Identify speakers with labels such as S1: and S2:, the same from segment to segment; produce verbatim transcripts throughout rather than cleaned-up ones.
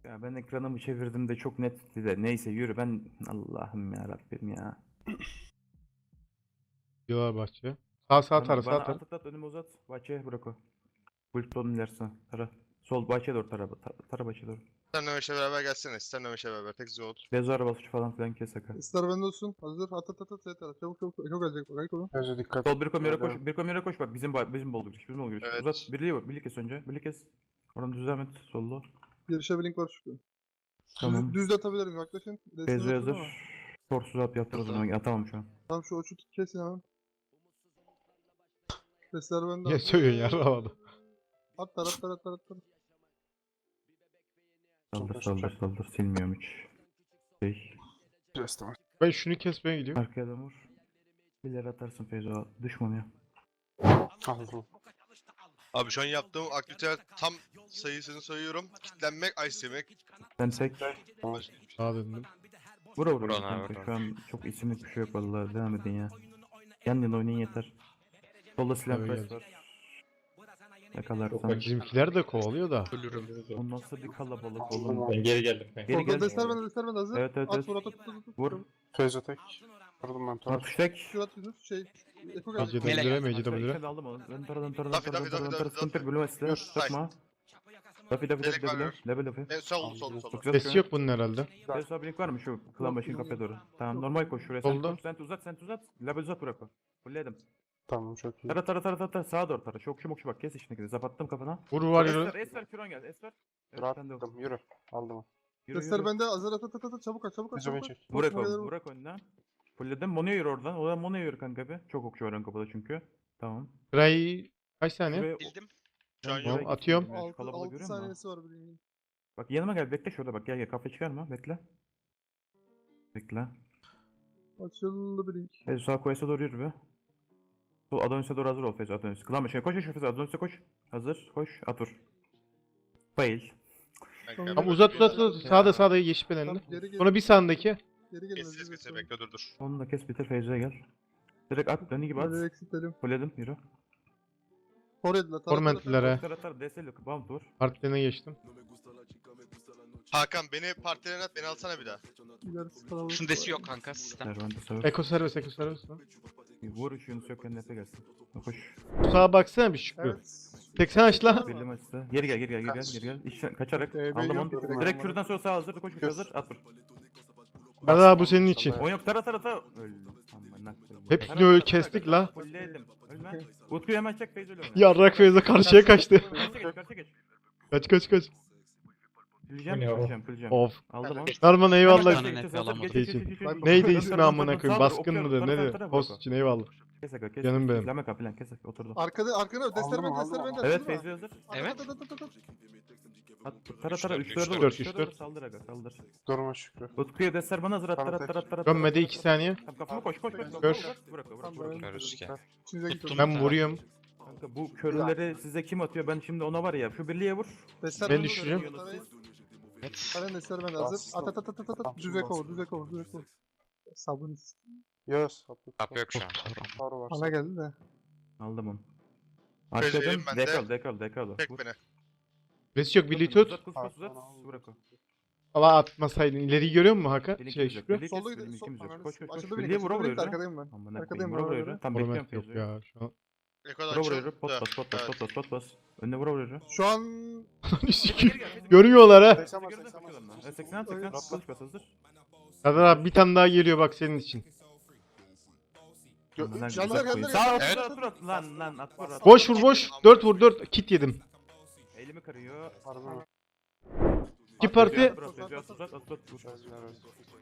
S1: Ya ben ekranımı çevirdim de çok netti de. Neyse yürü ben. Allah'ım ya Rabbim ya.
S2: Diyorlar bahçeye. Sağ sağ
S1: Bana,
S2: tara sağ
S1: bana
S2: tara.
S1: at at at önüme uzat. Bahçeye bırak o. Bultonun ilerisine. Tara. Sol bahçeye doğru tara. Tara, tara bahçeye doğru.
S3: Sen Ömeş'le beraber gelsene. Sen Ömeş'le beraber. Tek zor.
S1: Bezo arabası falan filan kes aka.
S4: İster bende olsun. Hazır. At at at at. Yeter. Çabuk çabuk. Eko gelecek. Bak Eko.
S5: Gözü dikkat.
S1: Sol bir komyere koş.
S5: Gördüm.
S1: Bir komyere koş bak. Bizim ba- bizim bol giriş. Bizim bol giriş.
S3: Evet.
S1: Uzat. Birliği bak. Birliği kes önce. Birliği kes. Oradan düzlem et. Sollu.
S4: Girişe bir link var çünkü.
S1: Tamam.
S4: Düz, düz de atabilirim. Yaklaşın. Resmini
S1: Bezo
S4: atın
S1: hazır.
S4: ama.
S1: Korsuz at yaptır o zaman. Atamam şu an.
S4: Tamam şu uçu tut kesin hemen. Sesler bende.
S2: Niye söylüyorsun ya havada?
S4: At tar at tar at tar at tar.
S1: Saldır saldır saldır. Silmiyorum hiç. Şey.
S5: Restim.
S2: Ben şunu kesmeye gidiyorum.
S1: Arkaya da vur. Bir atarsın Feyzo. Düşman ya.
S5: Aldım.
S3: Abi şu an yaptığım aktiviteler tam sayısını sayıyorum. Kitlenmek, ice yemek.
S1: Ben tek.
S2: Sağa döndüm.
S1: Vura vura.
S6: Vurun
S1: kanka.
S6: abi, vurun.
S1: Şu an çok isimlik bir şey yok vallahi. Devam edin ya. Yan yana oynayın yeter. Solda silah
S2: Öyle
S1: press
S2: geldi.
S1: var. Yakalarsan.
S2: Bizimkiler de kovalıyor da.
S1: O nasıl bir kalabalık oğlum.
S6: Ben geri geldim. Ben.
S1: Geri
S4: Orada
S1: gel.
S4: desler bende desler bende hazır.
S1: Evet, evet,
S4: At
S1: evet.
S4: vur at at at at.
S1: Vur.
S5: Feyzo tek. Vurdum ben Tor.
S1: Atış tek.
S4: Şu at Yunus şey. Eko
S2: Az
S4: gelecek.
S2: yedi lira mecide
S1: Arkaya
S2: lira.
S1: içeri aldım onu. Dön tara dön tara dön
S3: Dafi,
S1: tara dön
S3: dafi,
S1: tara dön
S3: dafi,
S1: tara.
S3: dafi,
S1: Sıkıntı yok.
S3: dafi.
S1: Bölüme silah.
S3: Dur,
S1: Sıkma. Dafi dafi
S3: Direkt
S1: dafi dafi.
S3: var,
S1: Level dafi.
S3: En sol, sol, sol.
S1: Çok güzel
S2: Sesi
S1: sıkıyor.
S2: yok bunun herhalde.
S1: Feyzo blink var mı şu klan başın kapıya doğru? Tamam normal koş şuraya. Sen
S2: Solda.
S1: koş. Sen uzat sen uzat. Level uzat bırak o. Fulledim.
S5: Tamam çok iyi.
S1: Tara tara tara tara tara sağa doğru tara. Şokşu mokşu bak kes içindekini. Zapattım kafana.
S2: Vur var
S1: Esver,
S2: yürü.
S1: Esver Küron gel. Esver. Evet,
S5: Rahat
S1: sen de o.
S5: aldım. Yürü. Aldım.
S1: Yürü,
S4: Desler
S1: yürü.
S4: bende hazır at at at at. Çabuk at çabuk at
S5: Feyzo beni
S4: çabuk at.
S5: çek.
S1: Burak
S4: Koşma gelir
S1: ol.
S4: vur.
S1: Burak önden. Fulledim. Mono'ya yürü oradan. Oradan Mono'ya yürü kanka bir. Çok okçu var ön kapıda çünkü. Tamam.
S2: Ray kaç saniye?
S1: Şuraya-
S3: Bildim.
S1: Ben
S3: Şu an
S1: buraya
S2: yok.
S1: gittim
S2: Atıyorum.
S1: ya, şu
S4: altı
S1: kalabalığı
S4: altı
S1: görüyor musun?
S4: saniyesi var birinin.
S1: Bak yanıma gel bekle şurada bak gel gel kafa çıkarma bekle. Bekle.
S4: Açıldı bir link.
S1: Feyzo sağ koyasa doğru yürü be. Sol Adonis'e doğru hazır ol Feyzo Adonis. Klan başına koş koş Feyzo Adonis'e koş. Hazır koş at vur. Fail.
S4: Tamam.
S2: Ama uzat uzat uzat. Sağda sağda yeşil
S4: Tamam
S2: belenli.
S4: geri geri.
S2: Sonra bir sağındaki.
S4: Geri gelin.
S3: Kes, kes, kes. Bekle, dur, dur.
S1: Onu da kes bitir Feyzo'ya gel. Direkt at dönü gibi at.
S4: Hadi eksiltelim.
S1: Fulledim yürü.
S4: Forward'la.
S2: Tormentlilere.
S1: Tara tara deseli bump vur.
S2: Partilerine geçtim.
S3: Hakan beni partilerine at, beni alsana bir daha.
S4: İlerisi kalabalık.
S6: Şunun desi yok kanka sistem.
S1: Servante savur.
S2: Eko servis eko servis.
S1: Vur şu Yunus yok önüne gelsin. Koş.
S2: Sağa baksana bir Şükrü.
S4: Evet.
S2: seksen açla.
S1: Birli maçta. Geri gel geri gel geri gel geri gel. İşte kaçarak
S4: Ee, ben
S1: aldım
S4: yok
S1: onu.
S4: direkt.
S1: Direkt şuradan sonra sağ hazır koş koş hazır at vur.
S2: Hadi bu senin için.
S1: On yok tara tara tara. Öldüm. Amına koyayım.
S2: Hepsini
S1: Tara,
S2: öyle
S1: tara,
S2: kestik
S1: tara,
S2: la.
S1: Fulledim. Ölme. Utku'yu hemen çek Feyzo ile oyna.
S2: Yarrak Feyzo karşıya kaçtı.
S1: Karşıya geç karşıya geç.
S2: Kaç kaç kaç.
S1: Püleceğim
S6: Bu ne o?
S1: püleceğim püleceğim.
S2: Of.
S1: Aldım onu.
S2: Narman eyvallah.
S1: Hemen
S6: Tane
S1: geç,
S6: net
S1: geç, hazır,
S6: alamadım.
S1: geç, geç,
S2: Şey
S1: geç, geç,
S4: için.
S1: geç.
S2: Neydi
S1: Dön,
S2: ismi
S1: dön, dön,
S2: amına
S1: dön,
S2: koyayım?
S1: sağ dur,
S2: Baskın
S1: okçuyorum,
S2: mıdır
S1: tara, tara,
S2: nedir?
S1: tara,
S2: Host
S1: bırak o.
S2: için eyvallah.
S1: Kes aga kes.
S2: Canım
S1: kes,
S2: benim.
S1: Lame kapı lan kes oturdu.
S4: Arkada arkada desler
S5: Aldım,
S4: bende
S5: aldım,
S4: desler bende.
S5: aldım.
S1: Evet
S4: hazır mı?
S1: Feyzo hazır.
S6: Evet.
S4: At, at, at, at, at.
S1: At, tara tara
S6: Üç
S1: üç
S6: dört,
S1: dört
S2: üç dört,
S1: üç
S2: üç
S1: dört
S2: dört.
S1: saldır aga saldır.
S5: Durma Şükrü.
S1: Utku'ya deser bana hazır at
S5: Tamam,
S1: tara tara tara.
S2: Dönmedi iki saniye.
S1: Tamam kafama koş koş koş.
S2: Gör.
S1: Bırak bırak bırak.
S4: Tamam,
S1: bırak.
S4: ben-
S6: Görürüz ki.
S4: İçinize git.
S2: Ben vuruyorum.
S1: Kanka bu körleri size kim atıyor? Ben şimdi ona var ya şu birliğe vur.
S4: Desler
S2: Ben
S4: bende,
S2: düşüreceğim.
S4: desler bende.
S6: Evet.
S4: Karen desler bende hazır. At at at at at at. Düz eko vur düz eko vur düz eko vur. Sabun.
S5: Yağız. Sapı.
S6: Tap yok şu an.
S5: Tor var.
S4: Ana geldi de.
S1: Aldım onu.
S3: Feyzo
S1: Arkadan
S3: yerim ben de.
S1: dekal dekal dekal.
S3: Çek
S1: Vur.
S3: beni.
S2: Resi yok birliği tut.
S1: Uzat kus kus uzat. Bırak o.
S2: Allah atmasaydın. İleriyi görüyor musun Hakan?
S1: Benim
S2: Şey
S1: ikimiz yok.
S2: Şükrü.
S1: Birliği kes,
S4: Solda
S1: benim
S4: gidiyor.
S1: ikimiz yok.
S4: Sol-
S1: Koş koş koş.
S4: Açıldı
S1: Birliğe
S4: birlik,
S1: vura
S4: açıldı
S1: vura
S4: birlik,
S1: yürü.
S4: arkadayım ben.
S1: Amına
S4: Arkadayım
S1: koyayım vura
S4: ben,
S1: vura yürü.
S4: arkadayım.
S1: Tam
S2: Format
S1: bekliyorum
S2: yok
S1: Feyzo'yu.
S2: ya şu an.
S3: Eko'dan
S1: Vura vura
S3: çık.
S1: yürü. Pot
S3: Dön,
S1: bas pot bas
S3: dön.
S1: pot bas pot bas. Önüne vura vura yürü.
S4: Şu an
S2: Görüyorlar ha.
S5: seksen var seksen var.
S1: Evet, seksen at seksen at kılıç bas hazır.
S2: Serdar abi bir tane daha geliyor bak senin için.
S1: Amına
S4: Gönder,
S1: güzel
S4: gönder,
S1: koyayım.
S4: gönder.
S1: Sağ
S6: Evet.
S1: at at at lan lan at vur at.
S2: Boş vur boş. dört vur dört. Kit yedim.
S1: Elimi kırıyor.
S5: Pardon.
S2: İki parti.
S1: At, at, at, at, at, at, at, vur.
S5: Yağız ver.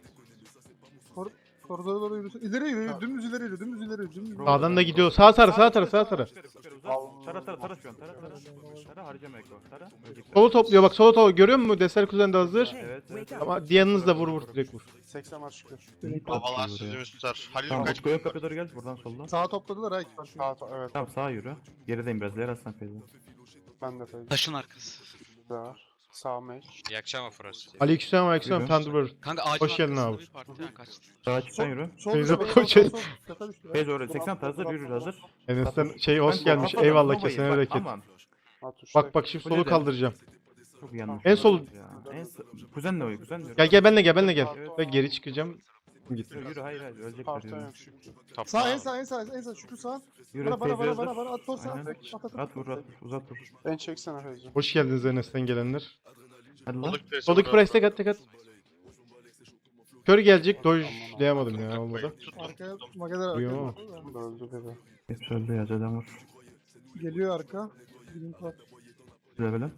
S4: koridora doğru yürüsün. İleri yürü, dümdüz ileri yürü, dümdüz ileri yürü, dümdüz.
S2: Sağdan da gidiyor. Sağ tara sağ tara sağ tara.
S1: Tara tara tara şu an tara tara. Tara harcama Eko. Tara. Ölecekler.
S2: Solu topluyor bak solu topluyor. Görüyor musun? Deser kuzen de hazır.
S1: Evet evet.
S2: Ama diğeriniz de vur vur direkt vur.
S5: seksen var Şükrü.
S3: Babalar sözümüz tutar. Halil
S1: Tamam
S3: kaç.
S1: Utku ön kapıya doğru gel buradan soldan.
S4: Sağa topladılar ha iki parça.
S5: Sağ tor. Evet.
S1: Tamam sağa yürü. Gerideyim biraz. Yer aslan Feyzo.
S5: Ben de Feyzo.
S6: Taşın arkası.
S5: Var. Sağ meç.
S6: İyi akşam Afros.
S2: Aleykümselam aleykümselam
S1: Yürü.
S2: Thunderbird.
S6: Kanka ağacın
S2: Hoş geldin
S6: arkasında
S2: abi.
S6: bir partiden kaçtı.
S1: Sağa çıksan yürü.
S4: Sol
S2: Feyzo
S4: sol, sol,
S2: koç
S4: sol,
S2: et.
S4: sol. Tepe düştü ya.
S1: Feyzo oraya seksen hazır yürü hazır.
S2: Enes'ten şey hoş
S1: Ben
S2: gelmiş.
S1: kafadan
S2: Eyvallah
S1: Nova'yı
S2: kesene
S1: bak,
S2: bereket.
S1: aman.
S5: At uçta.
S2: Bak bak şimdi
S1: Öyle
S2: solu
S1: de.
S2: kaldıracağım.
S1: Çok yanlış.
S2: En sol-
S1: Ya. En so- kuzenle oy, kuzenle.
S2: Gel gel benle gel benle gel.
S1: Evet.
S2: Ben geri çıkacağım. Git.
S1: Yürü, yürü hayır hayır ölecekler
S5: Parton
S1: yürü.
S5: yok Şükrü.
S6: Top
S4: Sağ en
S6: down.
S4: sağ en sağ en sağ Şükrü sağ.
S1: Yürü
S4: Bana bana
S1: Feyzo
S4: bana
S1: hazır.
S4: bana bana at tor sağ.
S1: Aynen.
S4: At at
S1: At
S4: at.
S1: vur at uzat vur.
S5: Ben çeksene Feyzo.
S2: Hoş geldiniz Enes'ten gelenler.
S1: Hadi lan.
S3: Soldaki presi
S2: Soldaki
S3: vur abi.
S2: price tek at tek at. Kör gelecek. Dojlayamadım ya olmadı.
S3: Tuttum.
S4: Arkaya Mageler
S2: Yo.
S4: arkaya.
S5: Öldü bebe.
S1: Hepsi öldü ya Zeden vur.
S4: Geliyor arka. Blink var.
S1: Güzel böyle.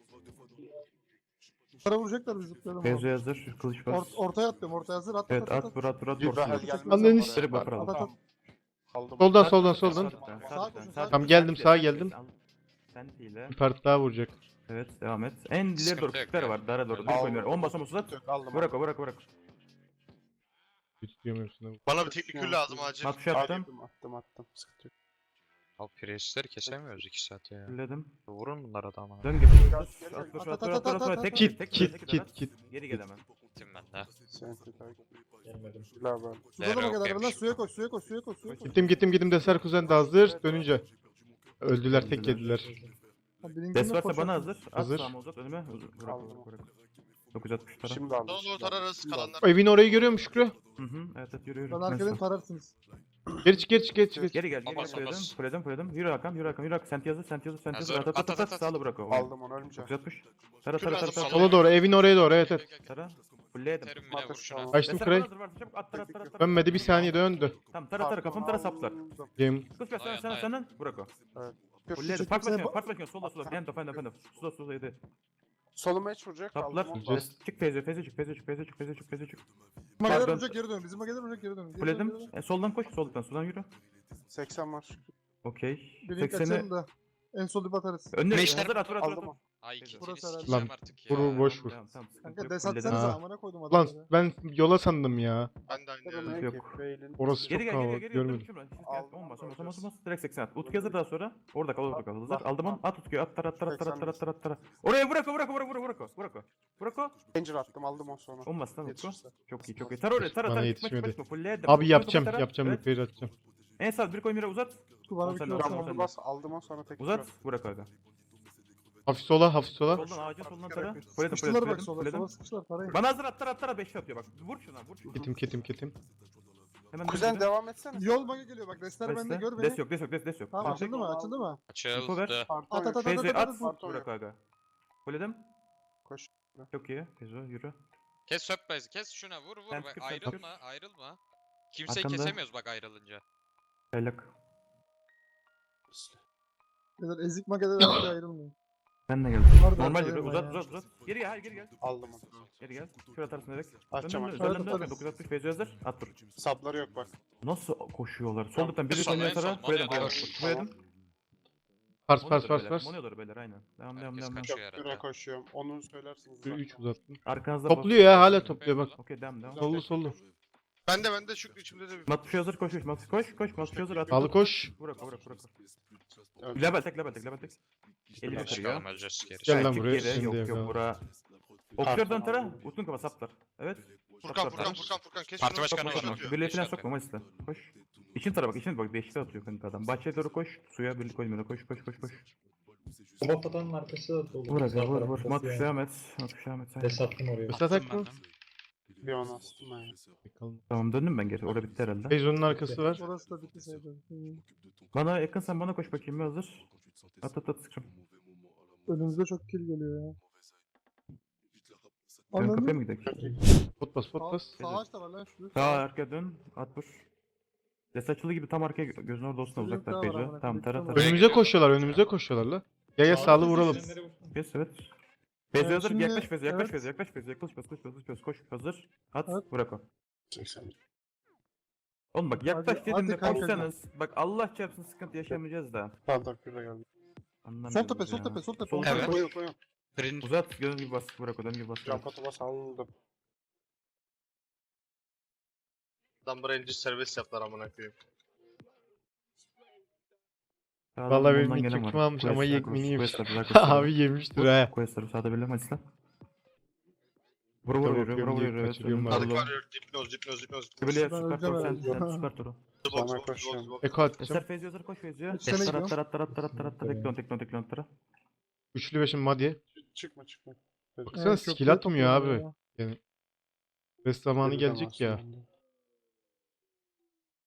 S4: Para vuracaklar bizi zıplayalım.
S1: Feyzo hazır. Kılıç bas.
S4: Ort ortaya atlıyorum ortaya hazır at
S1: Evet
S4: at at.
S1: at vur at vur at
S5: Bir
S1: vur.
S5: Rahel
S1: Vur.
S5: gelmez.
S2: Anneni
S5: ama
S2: s-
S5: oraya.
S1: Direkt buffer
S4: At
S1: al.
S4: at at.
S5: Aldım.
S2: Soldan soldan soldan. Tamam, geldim, sağa geldim.
S1: Sentiyle.
S2: Bir part daha vuracak.
S1: Evet devam et. En ileri doğru
S6: Sıkıntı yok
S1: küçükler
S6: ya.
S1: var. Dara doğru. Bir
S5: Aldım.
S1: koymuyor. on basam uzat.
S5: Yok, aldım.
S1: Bırak o bırak bırak.
S2: Tutuyorum hepsini.
S3: Bana bir teknikül lazım acil.
S1: Matış attım.
S5: Attım attım attım. Sıkıntı yok.
S6: Al Priest'leri kesemiyoruz iki saat ya.
S1: Fulledim.
S6: Vurun bunlara da ama.
S1: Dön gibi.
S5: Gel,
S1: At
S5: gel,
S1: vur
S4: at,
S1: at
S4: at,
S1: vur at
S4: at,
S1: vur
S4: at,
S1: at. Tek
S2: Kit
S1: tek
S2: kit
S1: tek
S2: kit kit.
S1: Geri gel hemen.
S6: Gittim ben de.
S5: Senti takip.
S7: Gelmedim.
S5: La ben.
S4: Suda da
S6: Zero
S4: Mageler lan
S6: yemiş.
S4: suya koş suya koş suya koş suya koş.
S2: Gittim gittim gittim Deser kuzen de hazır. Dönünce. Öldüler tek yediler.
S1: Des varsa bana hazır. At
S2: Hazır.
S1: sağıma uzat önüme. Uzat, Bırak
S5: Aldım.
S1: bırak bırak. dokuz yüz altmış tara.
S5: Şimdi aldım.
S3: Solo tararız kalanlar.
S2: O evin orayı görüyor musun Şükrü?
S1: Hı hı. Evet evet yürü yürü.
S4: Ben
S1: Neyse.
S4: arkadan tararsınız.
S2: Geri çık geri çık geri çık. geri çık.
S1: Geri gel geri
S6: Bas,
S1: gel.
S6: bas.
S1: Fulledim fulledim fulledim. Yürü Hakan yürü Hakan yürü Hakan. Sent yazır sent yazır sent yazır.
S6: Hazır.
S1: At at at
S6: At,
S1: at.
S6: at, at.
S1: Sağlı bırak o.
S5: Aldım onu ölmeyeceğim.
S1: dokuz yüz altmış. Tara
S3: Kür
S1: tara tara
S3: lazım,
S1: tara.
S3: sola.
S2: Sola doğru evin oraya doğru evet evet.
S1: Tara. Fulledim.
S6: Terim bile vur
S5: Matış
S6: şuna.
S5: tamam.
S2: Açtım
S1: Deser
S2: kırayı.
S1: bana hazır varsa çabuk at tara tara tara.
S2: Dönmedi bir saniye döndü.
S1: Tamam tara tara kafanı tara saplar.
S5: Aldım.
S2: Game.
S1: Kız ver sana
S6: Dayan,
S1: sana
S6: dayan.
S1: senden. Bırak o.
S5: Kür-
S1: Fulledim.
S4: Çekil,
S1: Part
S4: sen
S1: bakıyor
S4: ba-
S1: part bakıyor. Sola sola. Endo endo endo. Sola sola yedi.
S5: Soluma hiç vuracak.
S1: Taplar.
S5: Aldım onu.
S1: Çık feyze feyze çık feyze çık feyze çık feyze çık feyze çık.
S4: Mageler
S1: Pardon.
S4: vuracak geri dön. Bizim Mageler vuracak geri dön. Geri dön,
S1: Fulledim.
S4: geri dön.
S1: E, soldan koş soldan soldan yürü.
S5: seksen var Şükrü.
S1: Okey.
S4: Blink
S1: sekseni
S4: açalım da. En sol dip atarız.
S1: önüne
S6: Meşler-
S1: hazır at vur at vur, at.
S5: Aldım
S1: vur.
S5: onu.
S6: Ay ikisini
S4: Burası herhalde.
S6: sikeceğim
S2: Lan,
S6: artık ya.
S2: vur, vur, boş vur.
S1: Tamam tamam sıkıntı
S4: Kanka
S1: yok.
S4: des
S1: Fulledim.
S4: atsanıza
S2: Ha.
S4: amına koydum
S2: Lan
S4: adamları.
S2: ben yola sandım ya.
S3: Ben de aynı
S5: Kırılma
S3: yerde.
S1: yok.
S5: yok. Beylin.
S2: Orası çok
S1: Geri gel geri gel
S2: kalabalık
S1: geri gel.
S2: görmedim.
S5: Aldım,
S1: On bas on bas
S5: aldım.
S1: on bas on bas. Direkt seksen at. Utku hazır daha sonra. Orada kal orada kal. Hazır. Aldım onu. At Utku'yu at tar at tar at tar at tar at tar at tar. Oraya bırak o bırak o bırak o bırak o bırak o. Bırak o.
S5: Ranger attım aldım o sonra.
S1: On bas lan Utku.
S5: Yetişirse.
S1: Çok iyi çok iyi. Tar oraya tar
S2: Bana
S1: tar.
S2: yetişmedi.
S1: Fulledim.
S2: Abi yapacağım yapacağım
S1: Evet.
S2: yukarı atacağım.
S1: En sağ bir koy mira uzat.
S4: Utku bana
S1: On
S4: bir
S1: sen
S4: kilo
S1: de,
S5: Ben
S1: on
S4: atsana.
S1: sen
S5: bunu
S1: de.
S5: bas aldım o sonra tek
S1: Uzat. Bırak aga.
S2: Hafif sola hafif sola.
S1: Soldan ağacın soldan tara. Fulledim
S4: Sıkıştılar
S1: fulledim
S4: bak sola.
S1: fulledim.
S4: Sola sıkıştılar parayı.
S1: Bana hazır at tar at tar beş atıyor bak. Vur şuna vur şuna.
S2: Ketim ketim ketim.
S1: Hemen
S5: Kuzen
S1: dön.
S5: devam etsene.
S4: Yol Mage geliyor bak. Restler bende
S1: Destek.
S4: gör
S1: Des
S4: beni.
S1: yok des yok des des yok.
S4: Tamam
S1: Destek.
S4: açıldı mı açıldı mı?
S1: Info ver.
S6: Açıldı.
S5: Parton
S4: At, at,
S5: yok.
S4: at,
S1: Feyze
S4: at,
S1: at.
S5: Parton
S1: Bırak
S5: yok.
S1: aga. Fulledim.
S5: Koş.
S1: Çok iyi. Feyzo yürü.
S6: Kes söpmezi kes şuna vur vur.
S1: Sen
S6: Bak,
S1: tıkır, sen
S6: ayrılma ayrılma. Kimseyi
S1: Arkamda.
S6: kesemiyoruz bak ayrılınca.
S1: Çaylak.
S4: Beyler ezik Mageler artık ayrılmıyor.
S1: Ben de geldim.
S4: Var da
S1: Normal
S4: arkadan
S1: yürü
S4: var
S1: uzat
S4: ya.
S1: uzat uzat. Geri gel hayır geri gel.
S5: Aldım onu.
S1: Geri gel. Şuraya atarsın direkt.
S5: Açacağım,
S1: Dön, dön,
S5: açacağım.
S1: dön, dön, dön.
S4: Atarız.
S1: dokuz yüz altmış Feyzo hazır. At dur.
S5: Sapları yok bak.
S1: Nasıl koşuyorlar? Soldan biri
S6: Sol,
S1: konuya
S6: en sol,
S1: tara. Koyalım
S6: Mono'ya
S1: koyalım.
S6: doğru.
S1: Koyalım.
S2: Pars pars pars
S1: beyler.
S2: pars.
S1: Mono'ya doğru beyler aynen. Devam devam
S6: Herkes
S1: devam.
S6: kaçıyor
S1: devam.
S5: Göre
S6: herhalde.
S5: koşuyorum. Onu söylersiniz. zaten.
S2: üç uzattım.
S1: Arkanızda
S2: Topluyor ya hala topluyor bak.
S1: Okey devam devam.
S2: Sollu sollu.
S3: Ben de ben de Şükrü içimde de bir.
S1: Matuşu hazır koş koş. Matuşu koş koş. Matuşu hazır at.
S2: Sağlı koş.
S1: Bırak bırak bırak.
S5: Öldü.
S1: Level tek level tek level tek. elli
S6: Geç
S1: kırıyor.
S6: kalma öleceğiz geri.
S2: Gel lan
S1: Çık
S2: buraya,
S1: geri.
S2: şimdi
S1: Yok yok
S2: yapalım.
S1: bura. Okçulardan tara. Utun kafa saplar. Evet.
S3: Furkan
S1: Saplar,
S3: Furkan
S1: tara.
S3: Furkan Furkan kes
S6: Parti
S3: şunu.
S6: başkanı
S3: Sokma,
S6: var.
S3: atıyor.
S1: Birliğe falan
S6: Beş
S1: sokma Mayıs'ta. Koş. İçin tara bak içine bak beşli atıyor kanka adam. Bahçeye doğru koş. Suya birlik koymuyor. Koş koş koş koş.
S7: Sabah atanın arkası da dolu.
S1: Vur aga
S7: Sağ
S1: vur
S7: taraf
S1: vur.
S7: kası
S1: Matuş
S7: yani.
S1: devam et. Matuş devam et sen.
S7: Des attım oraya.
S2: Mesela
S6: Attım
S2: tak mı?
S6: ben de.
S5: Bir onu astım ben. ya.
S2: Bakalım.
S1: Tamam döndüm ben geri. Orada bitti herhalde.
S2: Beyzon'un arkası var.
S4: Orası da bitti sayılır. Hmm.
S1: Bana yakınsan bana koş bakayım bir hazır. At at at sıkışım.
S4: Önümüzde çok kill geliyor ya.
S1: Ön kapıya
S4: Anladın
S1: mı
S4: mı?
S1: gidelim?
S2: Pot bas pot
S4: Sağ,
S2: bas.
S4: sağ ağaç da var lan şu.
S1: Sağ arka dön. At vur. Des açılı gibi tam arkaya gö- gözün orada olsun da
S4: Bir
S1: uzaklar
S4: daha var
S1: Feyzo.
S4: amına
S1: Tamam
S4: koyayım,
S1: tara
S4: bir
S1: tara.
S4: daha var.
S2: Önümüze koşuyorlar önümüze koşuyorlar la. Gel gel sağlı vuralım.
S1: Yes evet. Feyzo
S4: Ee,
S1: hazır.
S4: şimdi-
S1: Yaklaş Feyzo yaklaş
S4: evet.
S1: Feyzo yaklaş Feyzo yaklaş Feyzo yaklaş Feyzo yaklaş koş hazır. At
S4: Evet.
S1: bırak o.
S5: seksen.
S1: Oğlum bak yaklaş
S4: Hadi-
S1: dedim de
S4: hadi kanka.
S1: koşsanız. Bak Allah çarpsın sıkıntı yaşamayacağız da.
S5: Pardon küre geldi.
S1: Anlamıyorum
S4: Sol tepe sol
S1: ya.
S4: tepe sol tepe.
S1: Sol
S6: Evet.
S1: tepe.
S5: Koyun koyun.
S6: Green
S1: Uzat gözün gibi bas bırak o dön gibi bas.
S5: Can
S1: bırak.
S5: potu bas aldım.
S3: Adam Ranger serbest yaptılar amına koyayım.
S1: Sağdan
S2: Vallahi
S1: bundan
S2: benim
S1: gelen
S2: ilk
S1: var.
S2: çekimi almış ama
S1: Quest,
S2: yekmini yemiş.
S1: Quest, Quest, Quest,
S2: Abi yemiştir
S1: Vur,
S2: ha.
S1: Quest'ları sağda belirlem hadi lan. Vur vur
S2: Tabii
S1: yürü vur
S2: bakıyorum
S1: vur
S2: diye
S1: yürü. evet,
S2: kaçırıyorum
S1: önünde
S2: abi.
S3: Adık
S1: dolu.
S3: var yok. Dipnoz dipnoz dipnoz.
S1: Kıbıleye
S4: Ben
S1: süper
S4: öleceğim
S1: tur sen
S4: herhalde.
S1: sen süper turu.
S3: Box,
S5: Bana
S3: box, box,
S5: koşuyorum.
S3: box.
S2: Eko atacağım.
S1: Eser Feyzi hazır koş Feyzi'ye.
S4: Üç sene
S1: Tarat
S4: gidiyor.
S1: tarat tarat tarat tarat tarat teklon teklon teklon tara.
S2: Üçlü beşim Madi.
S5: Çıkma çıkma.
S2: Baksana skill atmıyor abi. Yani rest zamanı gelecek ya.